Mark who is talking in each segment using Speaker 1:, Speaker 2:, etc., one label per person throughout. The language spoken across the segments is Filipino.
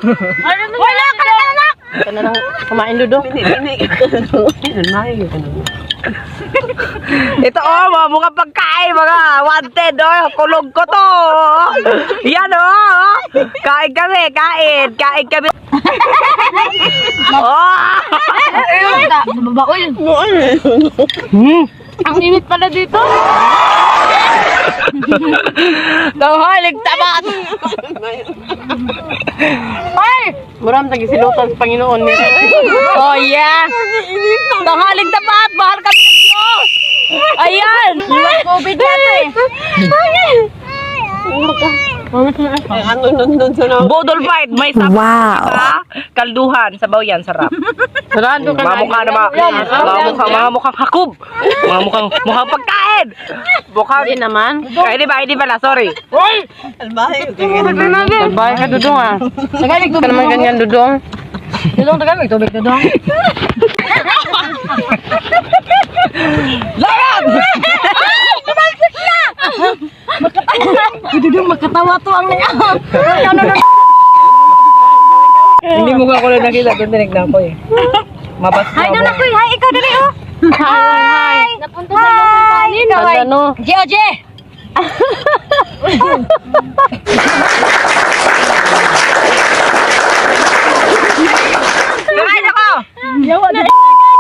Speaker 1: Wala ka na anak!
Speaker 2: Ito na lang kumain Dudong.
Speaker 3: Ito mga mukha pagkain, mga wanted, kulog ko to. Yan kain kami, kain kami.
Speaker 1: Babaul. Ang init pala dito.
Speaker 3: Tawhalig tabat.
Speaker 1: Ay!
Speaker 2: Maram tagisilutan sa Panginoon niya.
Speaker 3: Oh yeah. Tawhalig tabat, mahal kami ng Diyos. Ayan.
Speaker 1: COVID natin.
Speaker 2: Ano nandun sa loob?
Speaker 3: Bodol fight, may sabaw. Wow. Kalduhan, sabaw yan, sarap.
Speaker 2: Sarado ka
Speaker 3: Mga mukha na mga mukhang hakub. Mga mukhang pagkain.
Speaker 2: Hindi naman.
Speaker 3: Hindi pala, sorry.
Speaker 2: Sabay ka Dudong ah. Tagalig ka naman ganyan Dudong.
Speaker 1: Dudong, tagamig tubig, Dudong.
Speaker 3: Layan!
Speaker 1: Dudong, magkatawa to ang niya.
Speaker 3: Hindi mo ka ko lang nakita, doon tinignan ko eh. Mabas
Speaker 1: Hi, Dudong, kuy. Hi, ikaw dali, oh. Hi! Napunta sa ilong kanin.
Speaker 2: Ano?
Speaker 1: Oje!
Speaker 3: Kakain ako!
Speaker 1: Yawa na.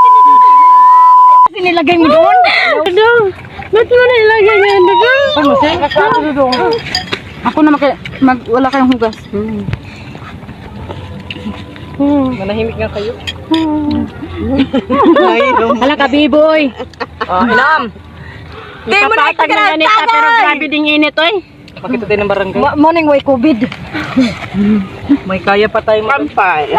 Speaker 1: Kasi nilagay mo doon?
Speaker 2: Dudong. Ba't mo na ilagay yan Dudong?
Speaker 1: Ano, sir? Dudong. Ako na wala kayong hugas.
Speaker 3: Manahimik nga kayo.
Speaker 1: Hala ka, B-boy.
Speaker 3: Inam! Di mo na
Speaker 2: Napapatag na ganit ka pero grabe ding init oy.
Speaker 3: Pakita tayo ng barangay.
Speaker 1: Morning way COVID.
Speaker 3: May kaya pa tayo
Speaker 2: Pampay.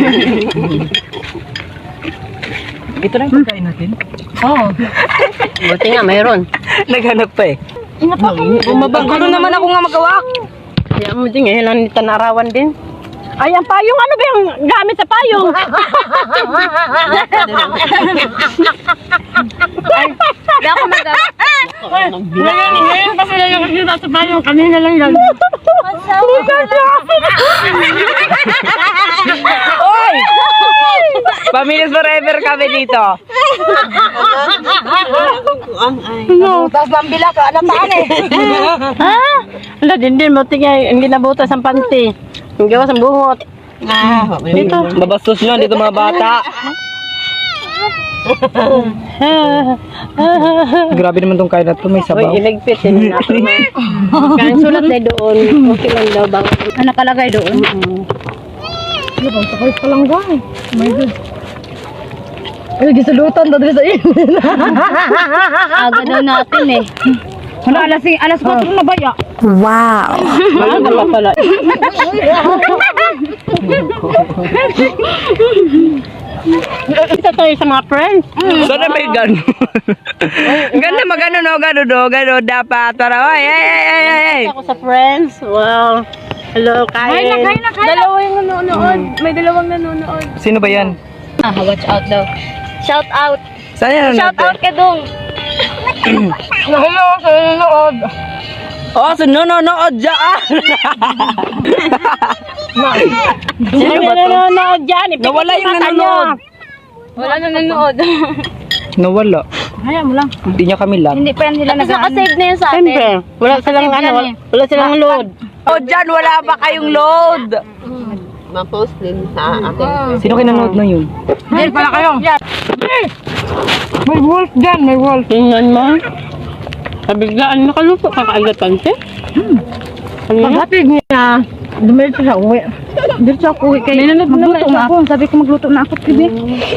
Speaker 3: Ito na yung pagkain natin.
Speaker 1: Oo.
Speaker 2: Buti nga mayroon.
Speaker 3: Naghanap pa eh.
Speaker 2: Bumabang
Speaker 3: Ano naman ako nga magawa?
Speaker 2: Kaya mo din ngayon lang tanarawan din. Ay, ang payong, ano ba yung gamit sa payong?
Speaker 1: Hindi ako
Speaker 2: Ngayon kasi lang yung kita sa payong, kanina lang yan.
Speaker 3: Oy! Pamilyas forever kami dito.
Speaker 1: Tapos mambila ka, alam taan eh.
Speaker 2: Ha? Wala din, buti nga, hindi nabutas ang panty. Ang gawas ang buhot. Dito.
Speaker 3: Babastos nyo dito mga bata. Grabe naman tong kain na to, may
Speaker 2: Uy,
Speaker 3: sabaw.
Speaker 2: iligpit din natin. Kaya sulat na doon, okay lang daw bang.
Speaker 1: Ano nakalagay doon? Ano bang sakay pa lang ba eh? Oh my God. Ay, gisulutan daw sa iyo.
Speaker 2: Aga daw natin eh.
Speaker 1: Ano, alas 4 na ba ya?
Speaker 2: Wala na pa pala. Isa tayo sa mga friends.
Speaker 3: Sana may gano'n. Ganda magano no, gano dapat. Para, ay.
Speaker 2: Ako sa friends. Wow. Hello, kain.
Speaker 1: Dalawa yung nanonood. May dalawang nanonood.
Speaker 3: Sino ba yan?
Speaker 1: Watch out daw. Shout out.
Speaker 3: Saan yan?
Speaker 1: Shout out kay Dong. Hello, sa nanonood.
Speaker 3: Oh, sunonood dyan.
Speaker 2: Sino ba nanonood dyan?
Speaker 3: Nawala yung nanonood.
Speaker 1: Wala nanonood.
Speaker 3: Nawala.
Speaker 1: Hayaan mo lang.
Speaker 3: Hindi niya kami lang.
Speaker 1: Hindi pa yan nila
Speaker 2: Naka-save na yun sa atin. Siyempre. Wala silang ano, wala silang load.
Speaker 3: Oh, dyan, wala pa kayong load.
Speaker 2: Ma-post din sa atin.
Speaker 3: Sino kinanood na yun?
Speaker 1: Hindi pala kayo. May wolf dyan, may wolf.
Speaker 2: Tingnan mo. Kabiglaan nakalupo, kakaagatan siya.
Speaker 1: Paghatid niya, dumiretso siya uwi. Diretso ako uwi kayo. Magluto na ako. Sabi ko magluto na ako, Kibi.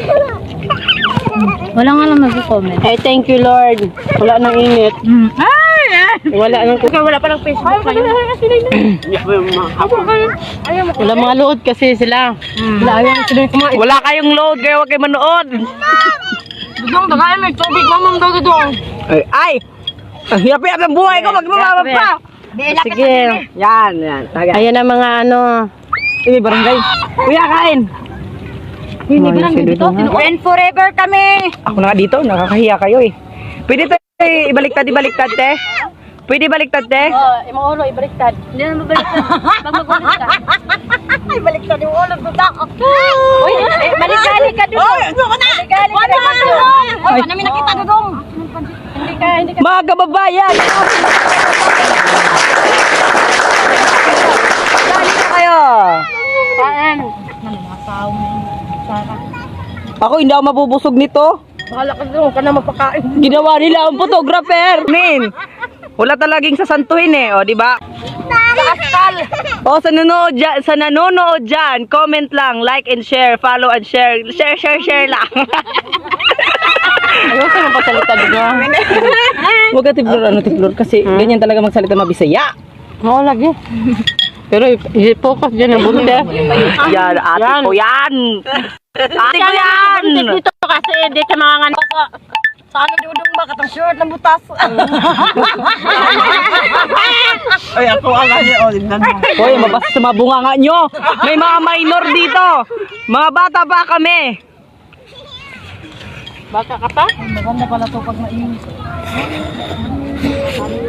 Speaker 1: Wala nga lang nag-comment.
Speaker 2: Ay, thank you Lord. Wala nang init. Wala nang
Speaker 1: Wala pa ng Facebook kayo.
Speaker 2: Wala mga load kasi sila.
Speaker 1: Wala ayaw sila kumain.
Speaker 3: Wala kayong load, kaya huwag kayo manood.
Speaker 1: Dudong, tagay may tubig. Mamam daw dudong.
Speaker 3: Ay! Ang hirap-hirap ng buhay ko, magmamama pa!
Speaker 2: Sige.
Speaker 3: Yan.
Speaker 2: Ayan ang mga ano.
Speaker 3: Sige, barangay. Kuya, kain!
Speaker 1: Hindi ba lang dito? And forever kami.
Speaker 3: Ako na nga dito, nakakahiya kayo eh. Pwede tayo ibaliktad, te? Pwede baliktad, te?
Speaker 2: Imong ulo ibaliktad. Hindi na mabaliktad. Pag magulit ka.
Speaker 1: Ay, baliktad yung ulo ko ta.
Speaker 2: Uy, maligali ka dudong. Maligali ka dudong.
Speaker 1: Ay, namin nakita dudong.
Speaker 2: Hindi ka.
Speaker 3: Mga kababayan! Dali na kayo!
Speaker 2: Kain.
Speaker 3: Ako hindi ako mabubusog nito.
Speaker 1: Bahala ka dudong, ka na mapakain.
Speaker 3: Ginawa nila ang photographer. Min, wala talagang sasantuhin eh, o, di ba? O, sa nanonood dyan, comment lang, like and share, follow and share. Share lang.
Speaker 2: Ayoko mo pasalita dudong.
Speaker 3: Huwag ka tiblor, kasi ganyan talaga magsalita mabisaya.
Speaker 2: Oo lagi. Pero i-focus dyan ang bunte.
Speaker 3: Yan, ate ko yan. Ate ko yan.
Speaker 2: Dito kasi di ka mga
Speaker 1: Sa ano dudong ba? Katang short ng butas.
Speaker 3: Ay, ako ang Hoy, mabasa sa mga bunganga nyo. May mga minor dito. Mga bata pa kami.
Speaker 2: baka ka pa.
Speaker 1: Maganda pala to pag mainit.